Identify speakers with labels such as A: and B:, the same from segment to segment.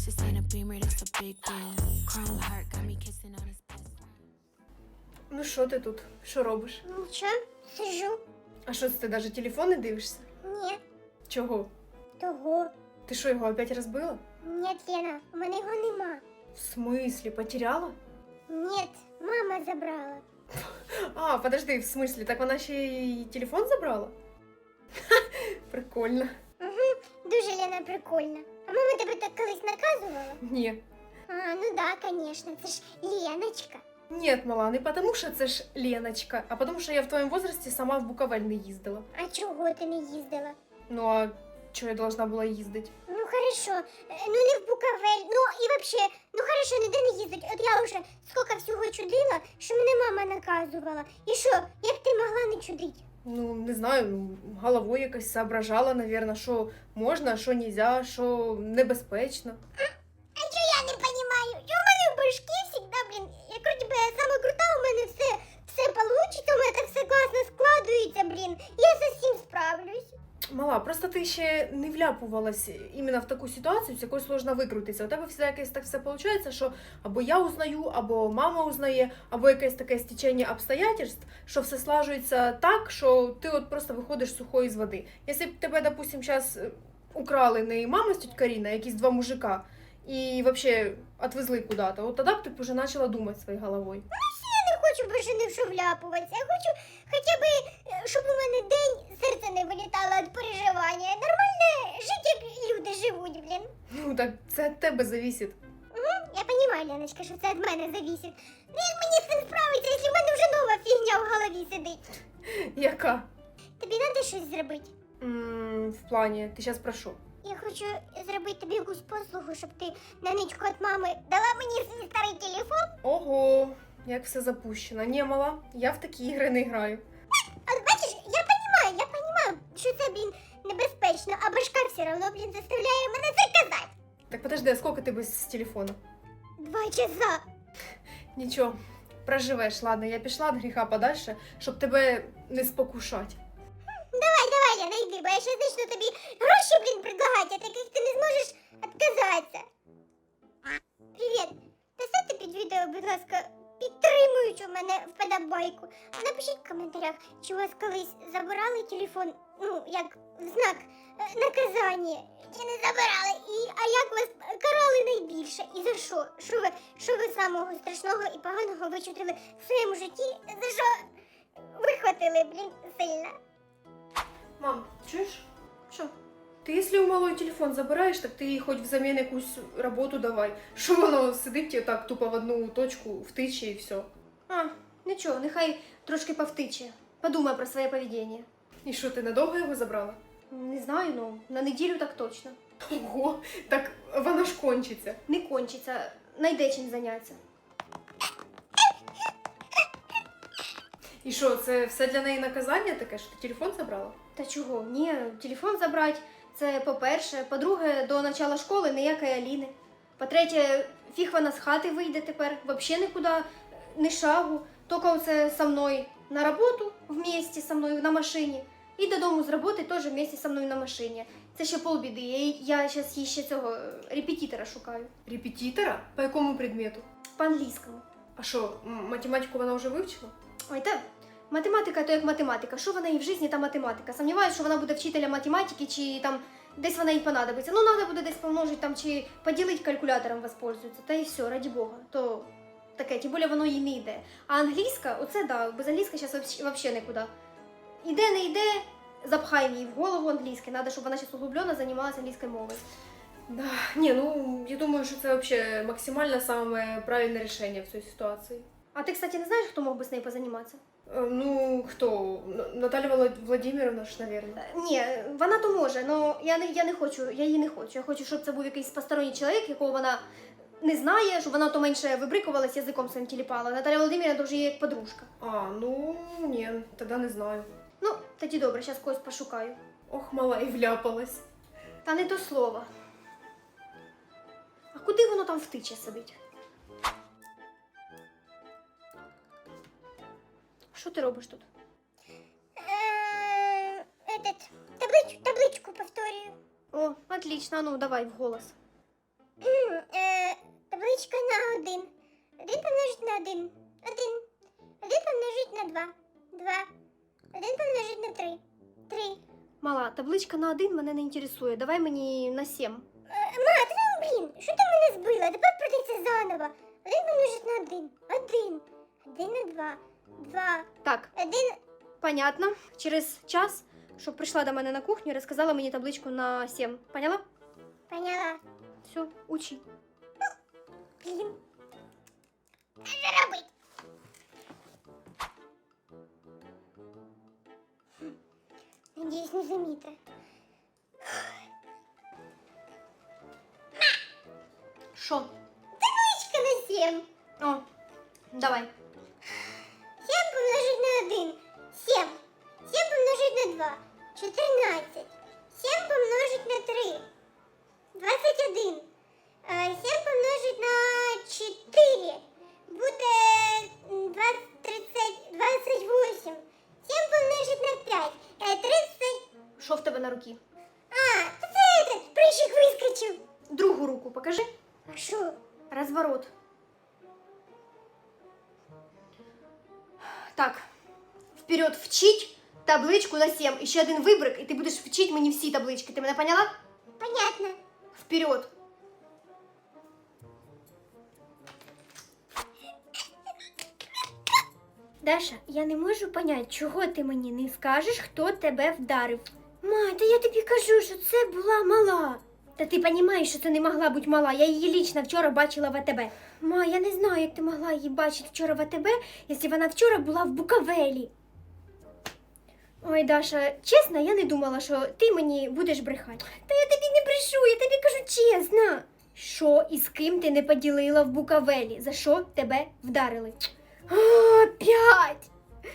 A: This ain't a Beamer, that's a big deal. Chrome heart got me kissing on his best friend.
B: Ну що ти тут? Що робиш?
C: Нічого, сижу.
B: А що це ти навіть телефон не дивишся?
C: Ні,
B: Чого?
C: того.
B: Ти що, його опять розбила?
C: Ні, Лена, у мене його нема.
B: В смислі, потеряла?
C: Ні, мама забрала.
B: А, подожди, в смислі, так вона ще й телефон забрала? Ха, прикольно.
C: Дуже, Лена, прикольно. А мама тебе так колись наказувала?
B: Ні.
C: А, ну да, конечно, це ж Леночка.
B: Нет, мала, не потому що це ж Леночка, а потому що я в твоєму возрасті сама в Буковель не їздила.
C: А чого ти не їздила?
B: Ну а чого я должна була їздити?
C: Ну хорошо, ну не в Буковель, ну і вообще, ну хорошо, ніде не їздить. От я вже скільки всього чудила, що мене мама наказувала. І що, як ти могла не чудити?
B: Ну, не знаю, ну, головою якось соображала, наверное, що можна, що нельзя, що небезпечно.
C: А що я не розумію? Що в мене в башки завжди, блін, як вроді би я сама крута, у мене все получиться, у мене так все класно складується, блін. Я з усім справлюсь.
B: Мала, просто ти ще не вляпувалась іменно в таку ситуацію, з якою сложно викрутитися. У тебе всегда якось так все виходить, що або я узнаю, або мама узнає, або якесь таке стечення обстоятельств, що все слажується так, що ти от просто виходиш сухою з води. Якщо б тебе, допустим, зараз украли не мама з тіть Каріна, а якісь два мужика, і взагалі відвезли куди-то, от тоді б ти б вже почала думати своєю головою.
C: Я не хочу більше ні в що вляпуватися. Я хочу хоча б, щоб у мене день серце не вилітало від переживання. Нормально жити, як люди живуть, блін.
B: Ну так це від тебе залежить.
C: Я розумію, Леночка, що це від мене залежить. Ну як мені з цим справитися, якщо в мене вже нова фігня в голові сидить?
B: Яка?
C: Тобі треба щось зробити?
B: В плані, ти зараз про що?
C: Я хочу зробити тобі якусь послугу, щоб ти на ничку від мами дала мені свій старий телефон.
B: Ого, як все запущено. Ні, мала, я в такі ігри не граю.
C: А бачиш, я розумію, що це, блін, небезпечно, а башка все одно, блін, заставляє мене це казати.
B: Так подожди, а сколько ти без телефона?
C: 2 часа.
B: Нічого, проживеш, ладно, я пішла від гріха подальше, щоб тебе не спокушати.
C: Давай, Лена, йди, бо я ще почну тобі гроші, блін, предлагати, от яких ти не зможеш відказатися. Привіт. Поставте під відео, будь ласка, підтримуючи мене вподобайку. Напишіть в коментарях, чи у вас колись забирали телефон, ну, як в знак наказання, чи не забирали, а як вас карали найбільше, і за що? Що ви самого страшного і поганого вичутили в своєму житті, за що вихватили, блін, сильно?
B: Мам, чуєш? Що? Ти, якщо у малої телефон забираєш, так ти їй хоч взамін якусь роботу давай. Що воно сидить так тупо в одну точку, втиче і все.
D: А, нічого, нехай трошки повтиче. Подумай про своє поведіння.
B: І що, ти надовго його забрала?
D: Не знаю, ну, на неділю так точно.
B: Ого, так вона ж кончиться.
D: Не кончиться, найде чим зайнятися.
B: І що, це все для неї наказання таке, що ти телефон забрала?
D: Та чого? Ні, телефон забрати, це по-перше. По-друге, до начала школи ніякої Аліни. По-третє, фіг вона з хати вийде тепер, взагалі нікуди, ні шагу. Тільки оце со мною на роботу, вместе со мною на машині. І додому з роботи теж вместе со мною на машині. Це ще полбіди. Я зараз їй ще цього репетитора шукаю.
B: Репетитора? По якому предмету?
D: По англійському.
B: А що, математику вона вже вивчила?
D: Ой, та математика то як математика. Що вона їй в житті, та математика. Сумніваюся, що вона буде вчителем математики, чи там десь вона їй понадобиться. Ну, треба буде десь помножити там, чи поділити калькулятором воспользується. Та і все, раді Бога. То таке, тим більше воно їй не йде. А англійська, оце да, без англійська зараз взагалі нікуди. Іде, не йде, запхай їй в голову англійське. Треба, щоб вона зараз углублено займалася англійською мовою.
B: Да, не, ну, я думаю, що це вообще максимально самое правильное решение в цій ситуації.
D: А ти, кстати, не знаєш, хто мог би з нею позаніматися?
B: Ну, хто? Наталя Владимировна ж, наверное.
D: Ні, вона то може, але я не хочу, я її не хочу. Я хочу, щоб це був якийсь посторонній чоловік, якого вона не знає, щоб вона то менше вибрикувалась, язиком своїм тіліпала. Наталя Володимирівна то вже є як подружка.
B: А, ну, ні, тоді не знаю.
D: Ну, тоді добре, зараз когось пошукаю.
B: Ох, мала, і вляпалась.
D: Та не то слово. А куди воно там втиче сидить? Що ти робиш тут?
C: Табличку повторюю.
D: О, отлично, ну давай вголос.
C: Табличка на 1. 1 помножить на 1. 1. 1 помножить на 2. 2. 1 помножить на 3. 3.
D: Мала, табличка на 1 мене не інтересує. Давай мені на 7.
C: Ма, ти ну, блін, що ти мене збила? Тепер прийдеться заново. 1 помножить на 1. 1. 1 на 2. 2.
D: Так,
C: 1.
D: понятно. Через час, щоб прийшла до мене на кухню і розказала мені табличку на 7. Поняла?
C: Поняла.
D: Все, учи.
C: Блін. Що робить? Надіюсь, не заміте.
D: Що?
C: Табличка на 7.
D: О, давай.
C: 7 помножить на 1. 7. 7 помножить на 2. 14. 7 помножить на 3. 21. 7 помножить на 4. Буде 28. 7 помножить на 5. 30.
D: Що в тебе на руці?
C: А, то це этот прыщик вискочив.
D: Другу руку покажи.
C: А що?
D: Разворот. Так, вперед вчить табличку на 7. І ще один вибрик, і ти будеш вчити мені всі таблички. Ти мене поняла?
C: Понятно.
D: Вперед.
E: Даша, я не можу понять, чого ти мені не скажеш, хто тебе вдарив. Ма, та я тобі кажу, що це була мала. Та ти розумієш, що це не могла бути мала. Я її лічно вчора бачила в АТБ. Ма, я не знаю, як ти могла її бачити вчора в АТБ, якщо вона вчора була в Букавелі. Ой, Даша, чесно, я не думала, що ти мені будеш брехати. Та я тобі не брешу, я тобі кажу чесно. Що і з ким ти не поділила в Букавелі? За що тебе вдарили? Опять!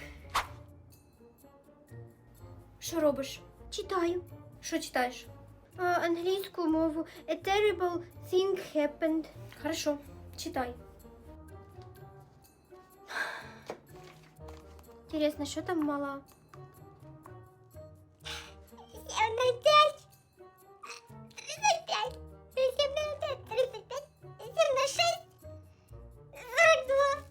E: Що робиш? Читаю. Що читаєш? Англійську мову. A terrible thing happened. Хорошо, читай. Інтересно, що там мала?
C: 7 на 5. 35. 7 на 5. 35. 7 на 6. 42.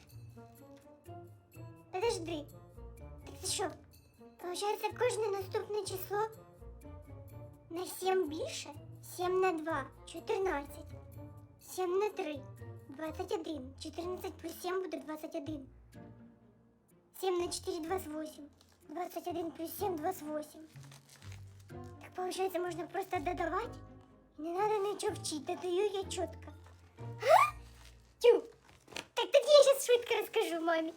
C: Подожди. Так це що? Получається, кожне наступне число на 7 більше? 7 на 2. 14. 7 на 3. 21. 14 плюс 7 буде 21. 7 на 4 28. 21 плюс 7 28. Так получается, можно просто додавать? Не надо ничего вчить, додаю я четко. Тю! Так тоді я сейчас швидко расскажу маме.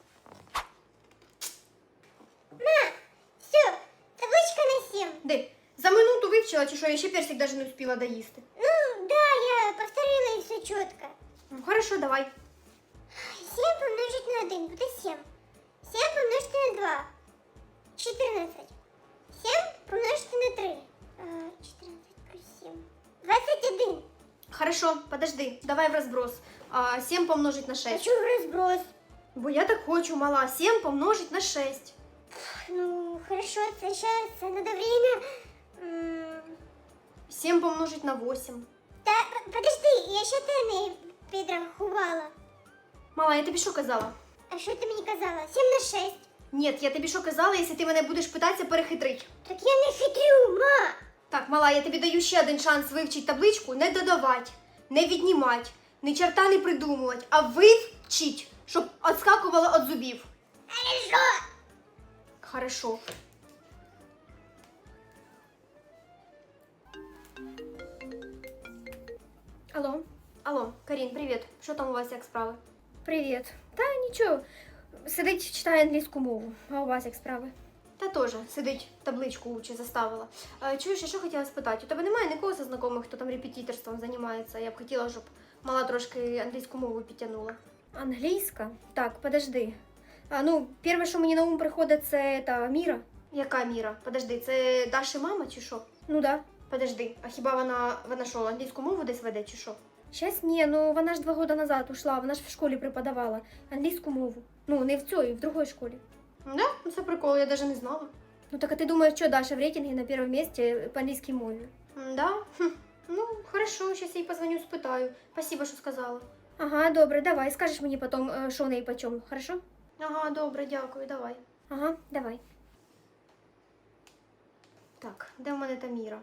C: Ма! Все, табличка на 7.
D: Де? За минуту вивчила, чи що? Я ще персик навіть не успіла доїсти.
C: Ну, да, я повторила и все четко.
D: Ну, хорошо, давай.
C: 7 помножить на 1 буде 7. 7 помножить на 2. 14. 7 помножить на 3. 14 плюс 7. 21.
D: Хорошо, подожди, давай в розброс. 7 помножить на 6.
C: Хочу в разброс.
D: Бо я так хочу, мала. 7 помножить на 6.
C: Ну, хорошо, сейчас надо время.
D: 7 помножить на 8.
C: Та, подожди, я ще те не підрахувала.
D: Мала, я тобі що казала?
C: А що ти мені казала? 7 на 6.
D: Ні, я тобі що казала, якщо ти мене будеш питатися перехитрить.
C: Так я не хитрю, ма.
D: Так, мала, я тобі даю ще один шанс вивчити табличку, не додавати, не віднімати, ні черта не придумувати, а вивчить, щоб відскакувало від зубів.
C: Хорошо.
D: Хорошо.
E: Алло,
D: Алло, Карін, привіт. Що там у вас, як справи?
E: привіт. Та нічого. Сидить, читає англійську мову. А у вас як справи?
D: Та теж сидить, табличку учить, заставила. Чуєш, я що хотіла спитати? У тебе немає нікого зі знайомих, хто там репетиторством займається? Я б хотіла, щоб мала трошки англійську мову підтягнула.
E: Англійська? Так, подожди. Ну, перше, що мені на ум приходить, це та Міра.
D: Яка Міра? Подожди, це Даші мама чи що?
E: Ну да.
D: Подожди, а хіба вона що, англійську мову десь веде чи що?
E: Щас ні, ну вона ж 2 роки назад ушла, вона ж в школі преподавала англійську мову. Ну, не в цій, в другій школі.
D: Да? Ну це прикол, я навіть не знала.
E: Ну так а ти думаєш, що Даша в рейтингі на першому місці по англійській мові?
D: Да? Хм. Ну, хорошо, сейчас я їй позвоню, спитаю. Спасибо, що сказала.
E: Ага, добре, давай. Скажеш мені потім, що в неї по чому, хорошо?
D: Ага, добре, дякую, давай.
E: Ага, давай.
D: Так, де в мене та Міра?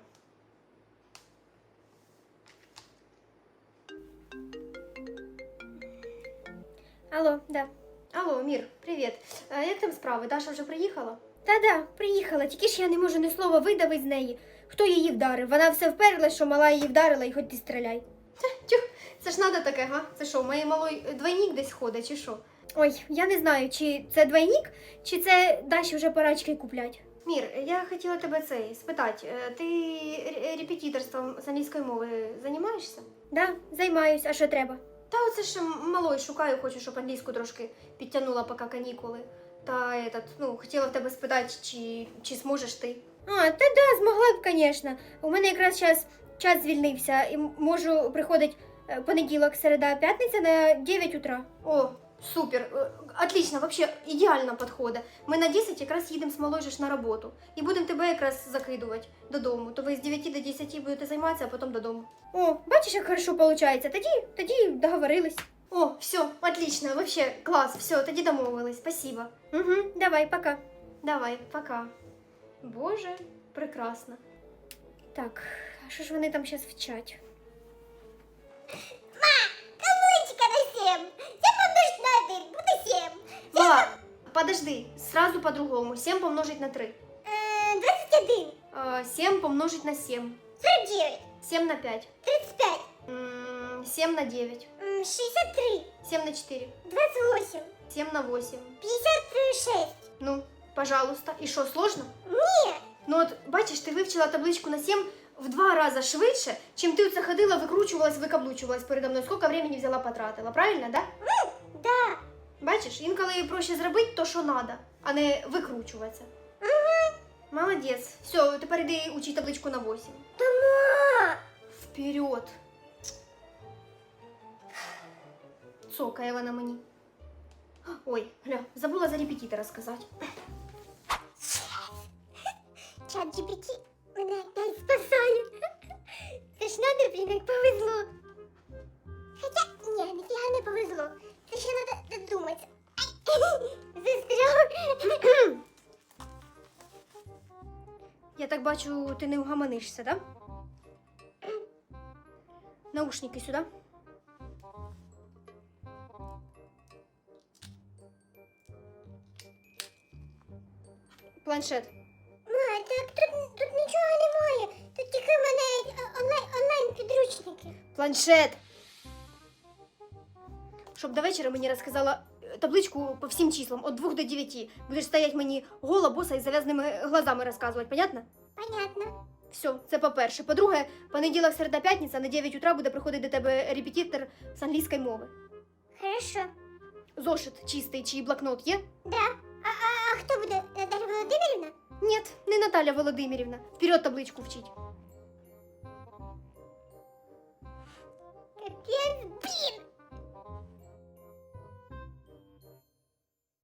E: Алло, да.
D: Алло, Мір, привіт. Як там справи? Даша вже приїхала?
E: Та-да, приїхала, тільки ж я не можу ні слова видавити з неї. Хто її вдарив? Вона все вперлась, що мала її вдарила, і хоч ти стріляй.
D: Тюх, це ж надо таке, га? Це що, моєї малої двойник десь ходить, чи що?
E: Ой, я не знаю, чи це двойник, чи це Даші вже пора очки куплять.
D: Мір, я хотіла тебе це спитати. Ти репетиторством з англійської мови займаєшся?
E: Да, займаюсь, а що треба?
D: Та оце ж малої шукаю, хочу, щоб англійську трошки підтягнула, поки канікули. Та хотіла в тебе спитати, чи зможеш ти.
E: А, та да, змогла б, звісно. У мене якраз час звільнився і можу приходити понеділок, середа, п'ятниця на 9 утра.
D: О, супер, отлично, вообще ідеально підходить. Ми на 10 якраз їдемо з малою ж на роботу. І будемо тебе якраз закидувати додому. То ви з 9 до 10 будете займатися, а потім додому.
E: О, бачиш, як хорошо виходить. Тоді договорились.
D: О, все, отлично, вообще клас, все, тоді домовились, спасибо.
E: Угу, давай, пока.
D: Давай, пока. Боже, прекрасно.
E: Так, а що ж вони там зараз вчать?
C: Кавунчика на 7. 7 помножить на 1, буде 7.
D: Мала, подожди, сразу по-другому. 7 помножить на 3.
C: 21.
D: 7 помножить на 7.
C: 49.
D: 7 на 5.
C: 35.
D: 7 на 9.
C: 63.
D: 7 на 4.
C: 28.
D: 7 на 8.
C: 56.
D: Ну, пожалуйста. І що, сложно?
C: Ні.
D: Ну от, бачиш, ти вивчила табличку на 7 в 2 рази швидше, чим ти оце ходила, викручувалась, викаблучувалась передо мною. Скільки времени взяла, потратила, правильно, да?
C: Да.
D: Бачиш, інколи проще зробити то, що надо, а не викручуватися. Молодець. Все, тепер іди учи табличку на 8.
C: Дома.
D: Вперед. Цокає вона мені. Ой, гля, забула за репетитора сказати.
C: Чат GPT мене опять спасає. Це ж надо, блін, як повезло. Хоча, ні, ніфіга не повезло. Це ще надо додумати. Застряв.
E: Я так бачу, ти не угаманишся, да? Наушники сюди. Планшет.
C: Ма, так тут нічого немає. Тут тільки в мене онлайн підручники.
E: Планшет. Щоб до вечора мені розказала табличку по всім числам, від 2 до 9. Будеш стоять мені гола, боса і зав'язаними глазами розказувати, понятно?
C: Понятно.
E: Все, це по-перше. По-друге, понеділок, середа, п'ятниця на 9 утра буде приходити до тебе репетитор з англійської мови.
C: Хорошо.
E: Зошит чистий чи блокнот є?
C: Да. А хто буде? Наталя Володимирівна?
E: Ні, не Наталя Володимирівна. Вперед табличку вчить.